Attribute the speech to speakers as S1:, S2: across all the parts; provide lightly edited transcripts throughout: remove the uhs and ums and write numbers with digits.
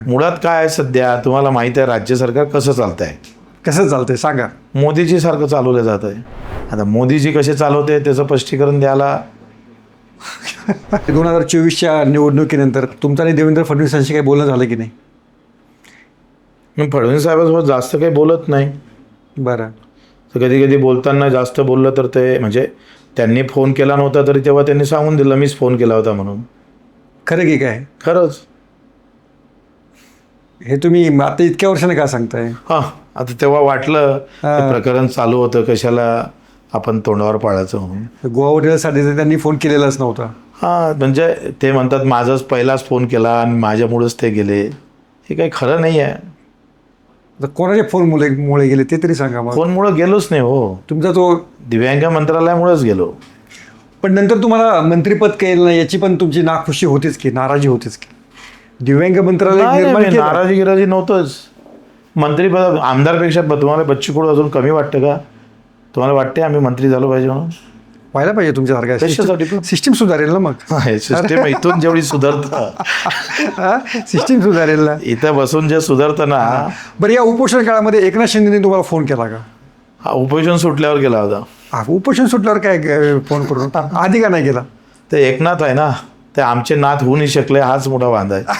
S1: मुळात काय आहे सध्या तुम्हाला माहिती आहे राज्य सरकार कसं चालत आहे.
S2: कसं चालतंय सांगा.
S1: मोदीजी सारखं चालवलं जात आहे. आता मोदीजी कसे चालवते त्याचं स्पष्टीकरण द्यायला
S2: 2024च्या निवडणुकीनंतर तुमचं आणि देवेंद्र फडणवीसांशी काही बोलणं झालं की नाही?
S1: मी फडणवीस साहेबांसोबत जास्त काही बोलत नाही.
S2: बरं.
S1: तर कधी कधी बोलताना जास्त बोललं तर ते म्हणजे त्यांनी फोन केला नव्हता तरी तेव्हा त्यांनी सांगून दिलं मीच फोन केला होता म्हणून.
S2: खरं की काय?
S1: खरंच.
S2: हे तुम्ही आता इतक्या वर्षाने का सांगताय?
S1: हां आता तेव्हा वाटलं ते प्रकरण चालू होतं कशाला आपण तोंडावर पाळायचं म्हणून.
S2: गोवा हॉटेलसाठी तर त्यांनी फोन केलेलाच नव्हता.
S1: हां म्हणजे ते म्हणतात माझाच पहिलाच फोन केला आणि माझ्यामुळेच ते गेले. हे काही खरं नाही आहे.
S2: तर कोणाच्या फोनमुळे गेले ते तरी सांगा मग.
S1: फोनमुळं गेलोच नाही हो.
S2: तुमचा तो
S1: दिव्यांग मंत्रालयामुळेच गेलो.
S2: पण नंतर तुम्हाला मंत्रिपद केलं नाही याची पण तुमची नाखुशी होतीच की, नाराजी होतीच की. दिव्यांग मंत्रालय निर्माण केलं.
S1: नाराजी गिराजी नव्हतंच. मंत्रीपद आमदारपेक्षा तुम्हाला बच्चू कडू अजून कमी वाटतं का? तुम्हाला वाटते आम्ही मंत्री झालो पाहिजे म्हणून?
S2: व्हायला पाहिजे तुमच्यासारखं.
S1: कशासाठी पण?
S2: सिस्टीम सुधारेल ना मग.
S1: सिस्टीम इथून जेवढी सुधारतं
S2: सिस्टीम सुधारेल ना.
S1: इथं बसून जे सुधारतं ना.
S2: बरं, या उपोषण काळामध्ये एकनाथ शिंदेने तुम्हाला फोन केला का?
S1: हा उपोषण सुटल्यावर गेला होता.
S2: उपोषण सुटल्यावर काय फोन करून आधी का नाही केला?
S1: ते एकनाथ आहे ना, ते आमचे नाथ होऊ नाही शकले हाच मोठा वांदा आहे.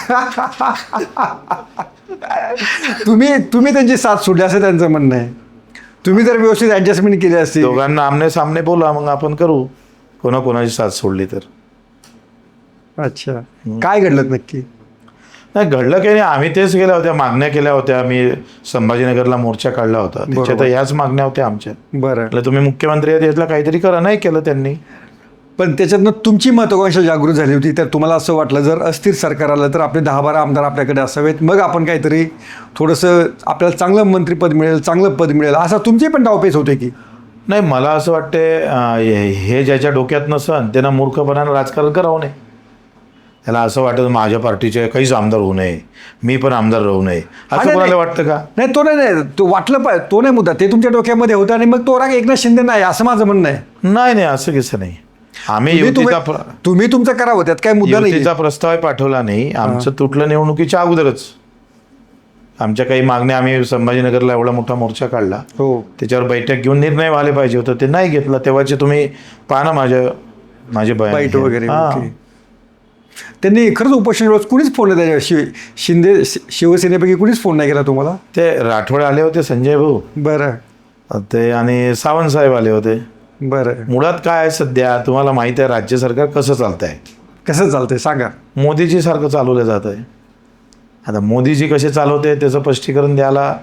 S2: तुम्ही त्यांची साथ सोडली असं त्यांचं म्हणणं आहे. तुम्ही जर व्यवस्थित ऍडजस्टमेंट केली असती.
S1: दोघांना आमने सामने बोला मग आपण करू. कोणाची साथ सोडली तर.
S2: अच्छा, काय घडलं नक्की?
S1: नाही घडलं काही नाही. आम्ही तेच केल्या होत्या, मागण्या केल्या होत्या. आम्ही संभाजीनगरला मोर्चा काढला होता. त्याच्यात ह्याच मागण्या होत्या आमच्या.
S2: बरं.
S1: म्हटलं तुम्ही मुख्यमंत्री आहेत यातलं काहीतरी करा. नाही केलं त्यांनी.
S2: पण त्याच्यातनं तुमची महत्त्वाकांक्षा जागृत झाली होती. तर तुम्हाला असं वाटलं जर अस्थिर सरकार आलं तर आपले 10-12 आमदार आपल्याकडे असावेत, मग आपण काहीतरी थोडंसं आपल्याला चांगलं मंत्रिपद मिळेल, चांगलं पद मिळेल, असा तुमचे पण डावपेच होते की?
S1: नाही मला असं वाटते हे ज्याच्या डोक्यात नसन त्यांना मूर्खपणानं राजकारण करावं नाही. त्याला असं वाटतं माझ्या पार्टीचे काहीच आमदार होऊ नये, मी पण आमदार राहू नये असं कोणाला वाटतं का?
S2: नाही तो नाही, तो वाटलं पाहिजे, तो नाही मुद्दा. ते तुमच्या डोक्यामध्ये होतं आणि मग तो राग एकनाथ शिंदे नाही असं माझं म्हणणं आहे.
S1: नाही असं कसं नाही. आम्ही
S2: तुम्ही तुमचं करावं, त्यात काय मुद्दा नाही.
S1: युतीचा प्रस्ताव पाठवला नाही. आमचं तुटलं निवडणुकीच्या अगोदरच. आमच्या काही मागण्या आम्ही संभाजीनगरला एवढा मोठा मोर्चा काढला.
S2: हो.
S1: त्याच्यावर बैठक घेऊन निर्णय व्हायला पाहिजे होतं, ते नाही घेतला. तेव्हाचे तुम्ही पाहा ना माझे
S2: बाईट वगैरे. त्यांनी खरंच उपोषण वेळेस कुणीच फोन नाही त्याच्या शिंदे शिवसेनेपैकी कुणीच फोन नाही केला तुम्हाला?
S1: ते राठोड आले होते, संजय भाऊ.
S2: बरं.
S1: ते आणि सावंत साहेब आले होते.
S2: बरं.
S1: मुळात काय आहे सध्या तुम्हाला माहिती आहे राज्य सरकार कसं चालत आहे.
S2: कसं चालतंय सांगा.
S1: मोदीजी सारखं चालवलं जात आहे. आता मोदीजी कसे चालवते त्याचं स्पष्टीकरण द्यायला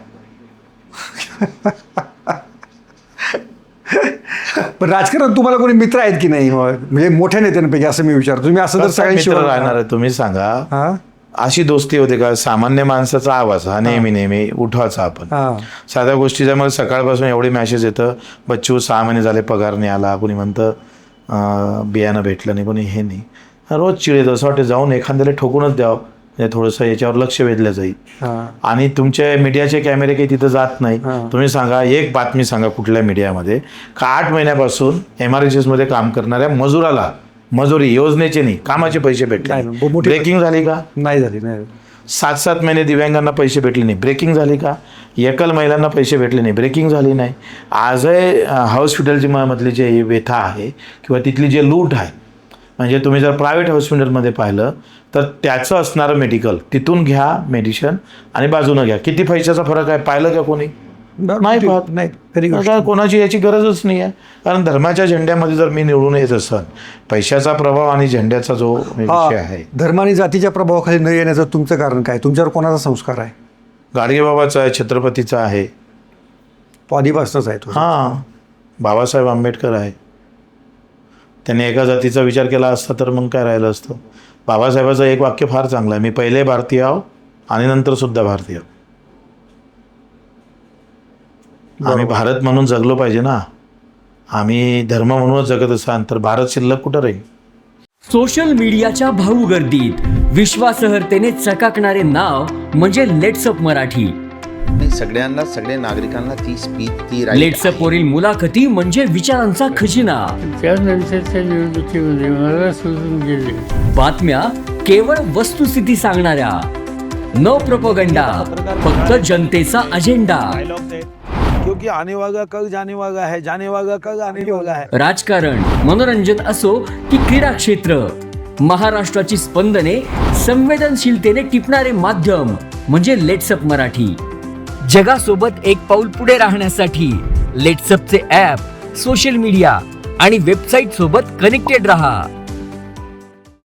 S2: पण राजकारण तुम्हाला कोणी मित्र आहेत की नाही म्हणजे मोठ्या नेत्यांपैकी असं मी विचारतो. तुम्ही असं जर सगळ्यांशी
S1: राहणार आहे तुम्ही सांगा. अशी दोस्ती होते का? सामान्य माणसाचा आवाज हा नेहमी उठवायचा आपण. साध्या गोष्टीचा मला सकाळपासून एवढे मॅसेज येतं, बच्चू 6 महिने झाले पगार नाही आला, कोणी म्हणतं बियाणं भेटलं नाही, कोणी हे नाही. रोज चिडेत असं वाटतं जाऊन एखाद्याला ठोकूनच द्यावं, म्हणजे थोडंसं याच्यावर लक्ष वेधलं जाईल. आणि तुमचे मीडियाचे कॅमेरे काही तिथं जात नाही. तुम्ही सांगा एक बातमी सांगा कुठल्या मीडियामध्ये का 8 महिन्यापासून MRHSमध्ये काम करणाऱ्या मजुराला मजुरी योजनेचे नाही कामाचे पैसे भेटले. ब्रेकिंग झाली का? नाही झाली. 7-7 महिने दिव्यांगांना पैसे भेटले नाही. ब्रेकिंग झाली का? एकल महिलांना पैसे भेटले नाही. ब्रेकिंग झाली नाही. आजही हॉस्पिटलची मधली जे व्यथा आहे किंवा तिथली जे लूट आहे, म्हणजे तुम्ही जर प्रायव्हेट हॉस्पिटलमध्ये पाहिलं तर त्याचं असणारं मेडिकल तिथून घ्या मेडिसिन आणि बाजूनं घ्या, किती पैशाचा फरक आहे पाहिलं का कोणी? नाही पाहत. नाही कोणाची याची गरजच नाही आहे. कारण धर्माच्या झेंड्यामध्ये जर मी निवडून येत असन, पैशाचा प्रभाव आणि झेंड्याचा जो विषय आहे,
S2: धर्म आणि जातीच्या प्रभावाखाली न येण्याचं तुमचं कारण काय? तुमच्यावर कोणाचा संस्कार आहे?
S1: गाडगेबाबाचा आहे, छत्रपतीचा आहे,
S2: तो आधीपासूनच आहे तो.
S1: बाबासाहेब आंबेडकर आहे. त्यांनी एका जातीचा विचार केला असता तर मग काय राहिलं असतं. बाबासाहेबाचं एक वाक्य फार चांगलं आहे, मी पहिले भारतीय आहो आणि नंतर सुद्धा भारतीय. आम्ही भारत म्हणून जगलो पाहिजे ना. आम्ही धर्म म्हणूनच जगत असाल तर भारत शिल्लक कुठं राहील?
S3: सोशल मीडियाच्या भाऊ गर्दीत विश्वासार्हतेने चकाकणारे नाव म्हणजे लेट्सअप मराठी.
S4: सगळ्यांना, सगळ्या नागरिकांना ती स्पीच, ती
S3: लेट्सअप वरील मुलाखती म्हणजे विचारांचा खजिना.
S5: त्यानंतरच्या निवडणुकीमध्ये मला सोडून गेले.
S3: बातम्या केवळ वस्तुस्थिती सांगणाऱ्या, नो प्रोपोगंडा, फक्त जनतेचा अजेंडा.
S5: क्योंकि आने वाला कल जाने वाला है, जाने वाला कल आने वाला है.
S3: राजकारण, मनोरंजन असो की क्रीडा क्षेत्र, महाराष्ट्राची स्पंदने संवेदनशीलतेने टिपणारे माध्यम म्हणजे लेट्सअप मराठी. जगासोबत एक पाऊल पुढे राहण्यासाठी लेट्सअपचे ॲप, सोशल मीडिया आणि वेबसाईट सोबत कनेक्टेड रहा.